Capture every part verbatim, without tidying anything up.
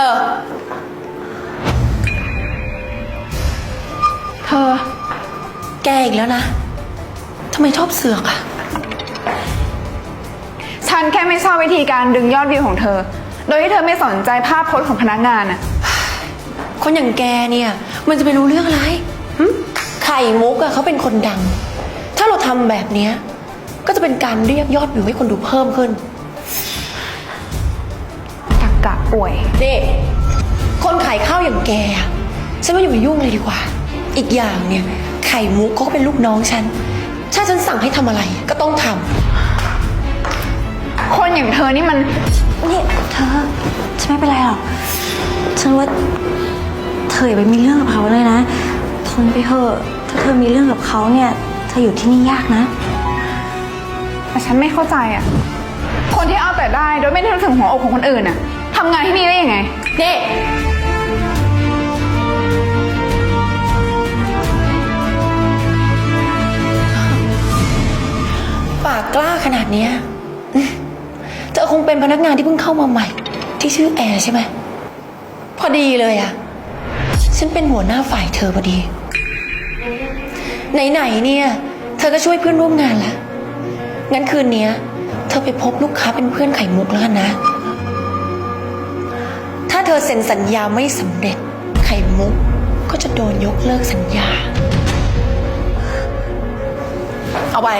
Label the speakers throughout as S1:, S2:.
S1: อเธอแกอีกแล้วนะทำไมชอบเสือกอะ
S2: ฉันแค่ไม่ชอบวิธีการดึงยอดวิวของเธอโดยที่เธอไม่สนใจภาพโพสของพนักงานอะ
S1: คนอย่างแกเนี่ยมันจะไปรู้เรื่องอะไรไข่มุกอะเขาเป็นคนดังถ้าเราทำแบบนี้ก็จะเป็นการเรียกยอดวิวให้คนดูเพิ่มขึ้น
S2: ตักกะป่วย
S1: เด็กคนขายข้าวอย่างแกฉันว่าอย่าไปยุ่งเลยดีกว่าอีกอย่างเนี่ยไข่มุกเขาก็เป็นลูกน้องฉันถ้าฉันสั่งให้ทำอะไรก็ต้องท
S2: ำคนอย่างเธอนี่มัน
S3: นี่เธอฉันไม่เป็นไรหรอกฉันว่าเธออย่าไปมีเรื่องกับเขาเลยนะทนไปเถอะถ้าเธอมีเรื่องกับเขาเนี่ยเธออยู่ที่นี่ยากนะ
S2: แต่ฉันไม่เข้าใจอ่ะคนที่เอาแต่ได้โดยไม่ได้นึกถึงหัวอกของคนอื่นอ่ะทำงานที่นี่ได้ยังไง
S1: เด็กปากกล้าขนาดนี้เธอคงเป็นพนักงานที่เพิ่งเข้ามาใหม่ที่ชื่อแอร์ใช่ไหมพอดีเลยอ่ะฉันเป็นหัวหน้าฝ่ายเธอพอดีไหนๆเนี่ยเธอก็ช่วยเพื่อนร่วมงานละงั้นคืนนี้เธอไปพบลูกค้าเป็นเพื่อนไข่มุกแล้วกันนะถ้าเธอเซ็นสัญญาไม่สำเร็จไข่มุกก็จะโดนยกเลิกสัญญาเอาไป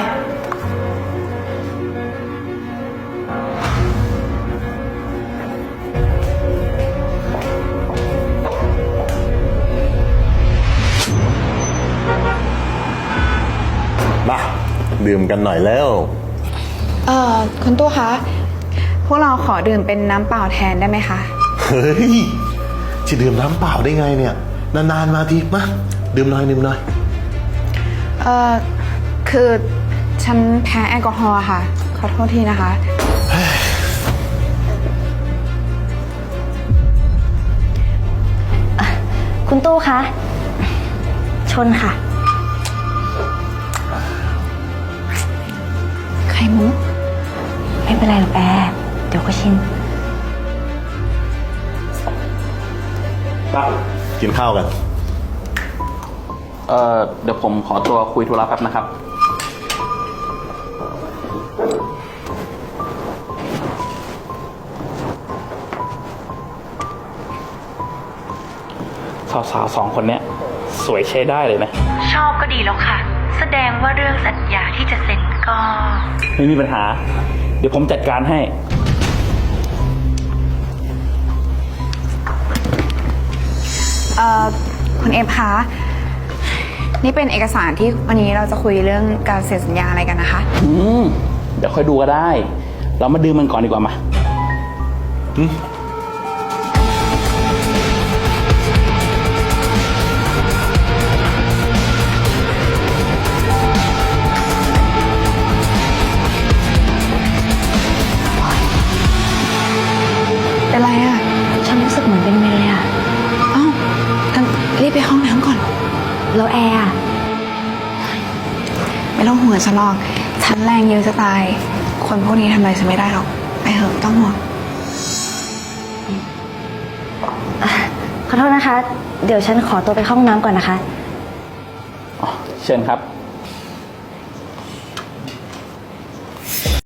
S4: มาดื่มกันหน่อยแล้ว
S2: เอ่อคุณตู้คะพวกเราขอดื่มเป็นน้ำเปล่าแทนได้ไหมคะ
S4: เฮ้ยจะดื่มน้ำเปล่าได้ไงเนี่ยนานๆมาทีมาดื่มหน่อยดื่มหน่อย
S2: เอ่อคือฉันแพ้แอลกอฮอล์ค่ะขอโทษทีนะคะ
S3: คุณตู้คะชนค่ะ
S2: ไข่มุก
S3: ไม่เป็นไรหรอกแอร์เดี๋ยวก็ชิน
S4: ปั๊บกินข้าวกัน
S5: เอ่อเดี๋ยวผมขอตัวคุยธุระแป๊บนะครับสาวๆสองคนเนี้ยสวยใช้ได้เลยนะ
S3: ชอบก็ดีแล้วค่ะแสดงว่าเรื่องสัญญาที่จะเซ็นก็
S5: ไม่มีปัญหาเดี๋ยวผมจัดการให้
S2: เอ่อคุณเอฟคะนี่เป็นเอกสารที่วันนี้เราจะคุยเรื่องการเซ็นสัญญาอะไรกันนะคะ
S5: อืมเดี๋ยวค่อยดูก็ได้เรามาดื่มมันก่อนดีกว่ามาอืม
S2: เป็นไรอ่ะ
S3: ฉันรู้สึกเหมือนเป็นเมย์เลยอ่ะ
S2: อ้าวงั้นรีบไปห้องน้ำก่อน
S3: แล้วแอร์
S2: ไม่ต้องห่วงฉันหรอกฉันแรงเยอะจะตายคนพวกนี้ทำอะไรฉันไม่ได้หรอกไปเถอะต้องห่วง
S3: ขอโทษนะคะเดี๋ยวฉันขอตัวไปเข้าห้องน้ำก่อนนะคะ
S5: อ๋อเชิญครับ